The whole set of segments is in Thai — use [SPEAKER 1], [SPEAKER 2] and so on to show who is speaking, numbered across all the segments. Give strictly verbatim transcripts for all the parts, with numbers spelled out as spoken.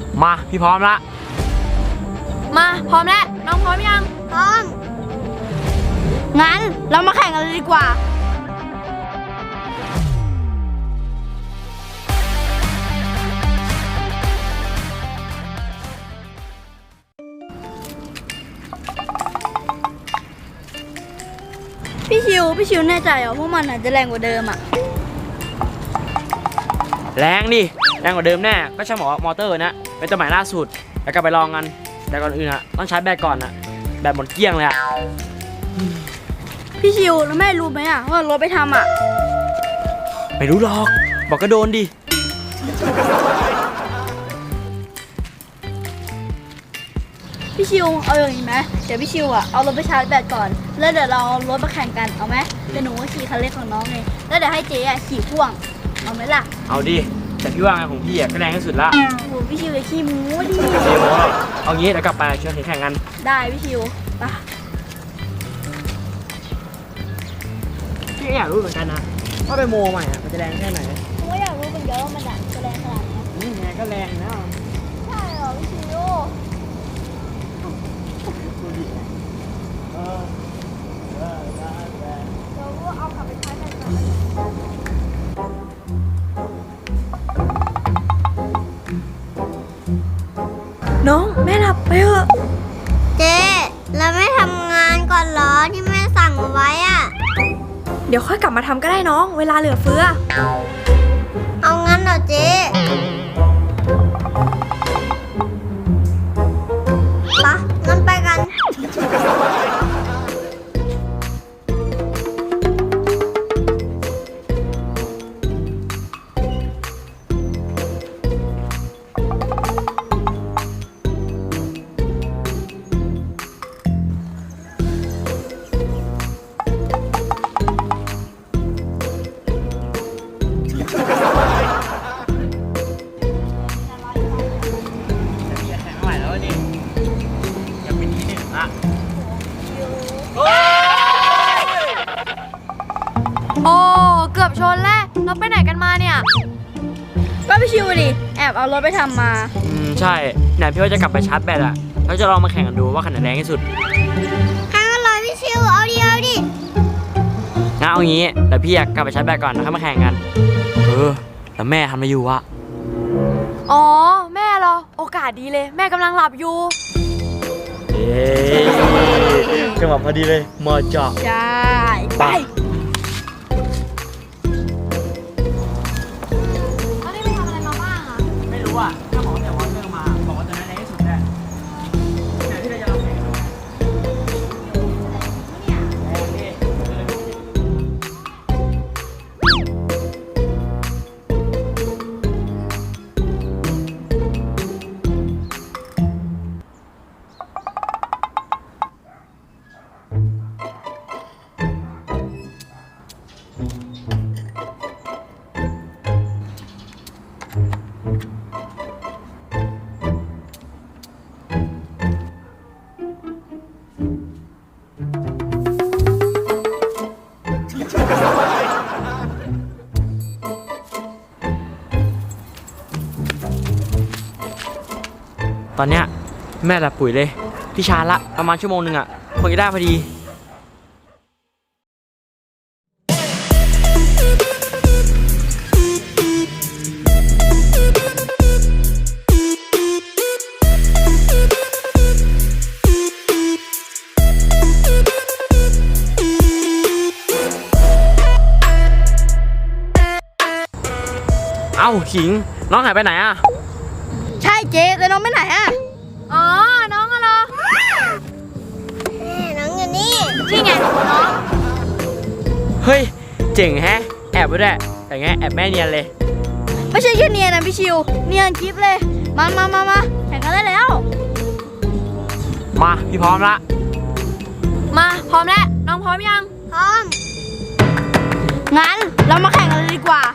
[SPEAKER 1] มาพี่พร้อมละ
[SPEAKER 2] มาพร้อมแล้วน้องพร้อมยังพร้อมงั้นเรามาแข่งกันเลยดีกว่าพี่ชิวพี่ชิวแน่ใจเหรอพวกมันอาจจะแรงกว่าเดิมอ่ะ
[SPEAKER 1] แรงดิแรงกว่าเดิมแน่ก็ช่างบอกว่ามอเตอร์นะเป็นตัวใหม่ล่าสุดแล้วก็ไปลองกันแต่ก่อนอื่นอะต้องใช้แบตก่อนอะแบตหมดเกลี้ยงเลยอะ
[SPEAKER 2] พี่ชิวแล้วแม่รู้ไหมอะว่ารถไปทำอะ
[SPEAKER 1] ไม่รู้หรอกบอกก็โดนดิ
[SPEAKER 2] พี่ชิวเอาอย่างนี้ไหมเดี๋ยวพี่ชิวอะเอารถไปชาร์จแบตก่อนแล้วเดี๋ยวเราเอารถมาแข่งกันเอาไหมเดี๋ยวหนูก็ขี่คันเล็กของน้องเลยแล้วเดี๋ยวให้เจ๊อะขี่พ่วงเอาไหมล่ะ
[SPEAKER 1] เอาดิแต่พี่ว่างานของพี่อะก็แรงที่สุดละ
[SPEAKER 2] โอ้โหพี่ชิวจะขี้มูดิ
[SPEAKER 1] ขี้มูเอางี้เดี๋ยวกลับไปชวนแข่งกัน
[SPEAKER 2] ได้พี่ชิวไป
[SPEAKER 1] พี่อยากรู้เหมือนกันนะว่าไปโมใหม่อะมันจะแรงแค่ไหน
[SPEAKER 2] ผมก็อยากรู้เหมือนกันว่ามันจะแรงขนาดไหน
[SPEAKER 1] นี่ไงก็แรงนะ
[SPEAKER 2] ใช่เหรอพี่ชิว
[SPEAKER 1] ดูดิเออเออได้แรง
[SPEAKER 2] เราก็เอากลับไปใช้กันก่อนน้องแม่หลับไปเถอะ
[SPEAKER 3] เจ๊แล้วไม่ทำงานก่อนเหรอที่แม่สั่งไว้อะ
[SPEAKER 2] เดี๋ยวค่อยกลับมาทำก็ได้น้องเวลาเหลือเฟือ
[SPEAKER 3] เอางั้นเหรอเจ๊ปะงั้นไปกัน
[SPEAKER 2] โอ้เกือบชนแล้วเราไปไหนกันมาเนี่ยก็ไปชิวดิแอบเอารถไปทำมา
[SPEAKER 1] อืมใช่ไหนพี่ว่าจะกลับไปชาร์จแบตอะแล้วจะลองมาแข่งกันดูว่าขนาดแรงที่สุด
[SPEAKER 3] ห้าร้อยพี่ชิวเอาดิเอาดิ
[SPEAKER 1] งั้นเอางี้เดี๋ยวพี่อยากกลับไปชาร์จแบตก่อนแล้วค่อยมาแข่งกันเออแล้วแม่ทำอะไรอยู่วะ
[SPEAKER 2] อ๋อแม่เหรอโอกาสดีเลยแม่กำลังหลับอยู่
[SPEAKER 1] เอ๊จังหวะพอดีเลยมาจ่อ
[SPEAKER 2] ใช่ไป
[SPEAKER 1] ว่าถ้าหมอแต่วอเตอร์มาบอกว่าจะได้แรงที่สุดแน่แต่ที่เราจะลองแข่งดูตอนเนี้ยแม่หลับปุ๋ยเลยพี่ชาละประมาณชั่วโมงหนึ่งอ่ะคงจะได้พอดีเอ้าขิงน้องหายไปไหนอ่ะ
[SPEAKER 2] ใช่เจ๊แต่น้องไปไหนอ่ะอ๋อน้องอะเหรอ
[SPEAKER 3] น้องอยู่นี่
[SPEAKER 2] นี่ไงน้อง
[SPEAKER 1] เฮ้ยเจ๋งแฮะแอบไปด้วยแต่ไงแอบแม่เนียนเลย
[SPEAKER 2] ไม่ใช่แค่เนียนนะพี่ชิวเนียนคลิปเลยมามามามาแข่งกันได้แล้ว
[SPEAKER 1] มาพี่พร้อมละ
[SPEAKER 2] มาพร้อมแล้วน้องพร้อมยัง
[SPEAKER 3] พร้อม
[SPEAKER 2] งั้นเรามาแข่งกันเลยดีกว่า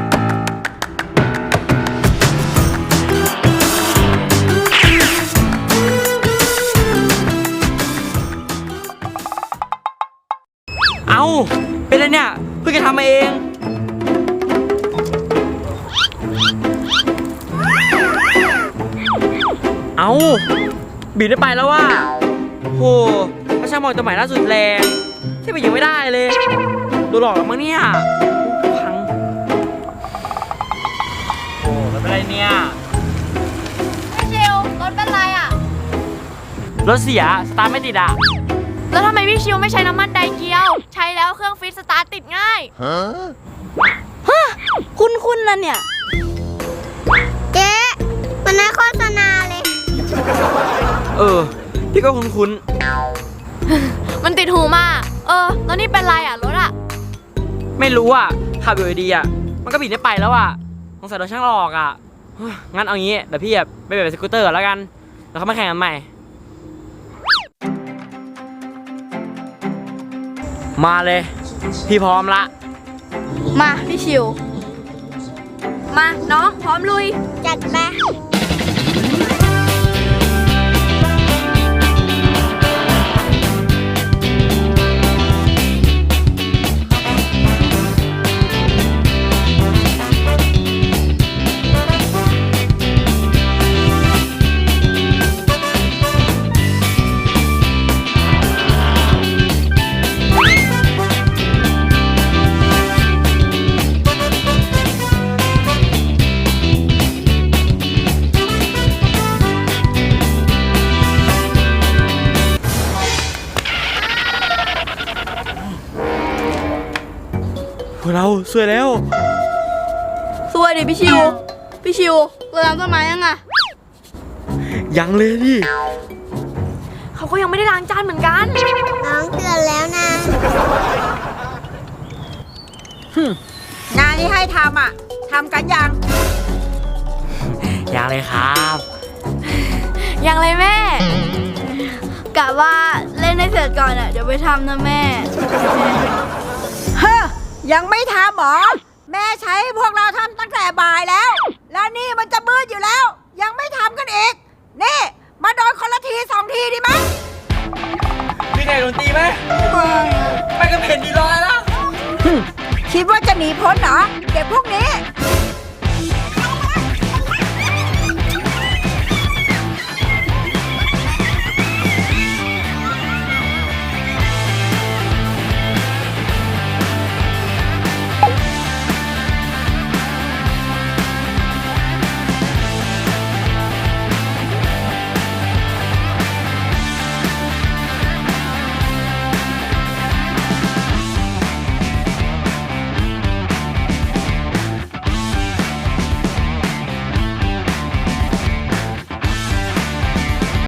[SPEAKER 1] เอ้าเป็นอะไรเนี่ยเพิ่งจะทำมาเองเอ้าบีบได้ไปแล้วว่ะโหพระช่างบอกตัวใหม่ล่าสุดแรงที่บีบยังไม่ได้เลยโดนหลอกแล้วมั้งเนี่ยพังโอ้ไม่เป็นไรเนี่ย
[SPEAKER 2] พี่ชิวรถเป็นไรอ่ะ
[SPEAKER 1] รถเสียสตาร์ทไม่ติดอ่ะ
[SPEAKER 2] แล้วทำไมพี่ชิวไม่ใช้น้ำมันไดเกียว ใช้แล้วเครื่องฟิตสตาร์ทติดง่ายฮะคุ้นๆนะเนี่ย
[SPEAKER 3] เจ๊มันน่าโฆษณาเลย
[SPEAKER 1] เออพี่ก็คุ้น
[SPEAKER 2] มันติดหูมากเออแล้วนี่เป็นไรอ่ะรถอ่ะ
[SPEAKER 1] ๆไม่รู้อ่ะขับอยู่ดีๆอ่ะมันก็บีบได้ไปแล้วอ่ะสงสัยโดนช่างหลอกอ่ะเฮ้ยงั้นเอางี้เดี๋ยวพี่แบบไปแบบสกูตเตอร์แล้วกันแล้วเขามาแข่งกันใหม่มาเลยพี่พร้อมละ
[SPEAKER 2] มาพี่ชิว มาน้องพร้อมลุย
[SPEAKER 3] จัดไป
[SPEAKER 1] พวกเราสวยแล้ว
[SPEAKER 2] สวยดิพี่ชิว พี่ชิวเราล้างต้นไม้ยังอ่ะ
[SPEAKER 1] ยังเลยดิ
[SPEAKER 2] เขาก็ยังไม่ได้ล้างจานเหมือนกัน
[SPEAKER 3] น้องเตือนแล้วนะ
[SPEAKER 4] งานที่ให้ทำอ่ะทำกันยัง
[SPEAKER 1] ยังเลยครับ
[SPEAKER 2] ยังเลยแม่กะว่าเล่นให้เสร็จก่อนอ่ะเดี๋ยวไปทำนะแม่
[SPEAKER 4] เฮ้อยังไม่ทำหรอ แม่ใช้พวกเราทำตั้งแต่บ่ายแล้ว แล้วนี่มันจะมืดอยู่แล้ว ยังไม่ทำกันอีก นี่ มาโดนคนละทีสองทีดีไหม
[SPEAKER 1] พี่ไก่โดนตีไหมไม่ก็เห็นดีรอยแล้ว
[SPEAKER 4] คิดว่าจะหนีพ้นเหรอเด็กพวกนี้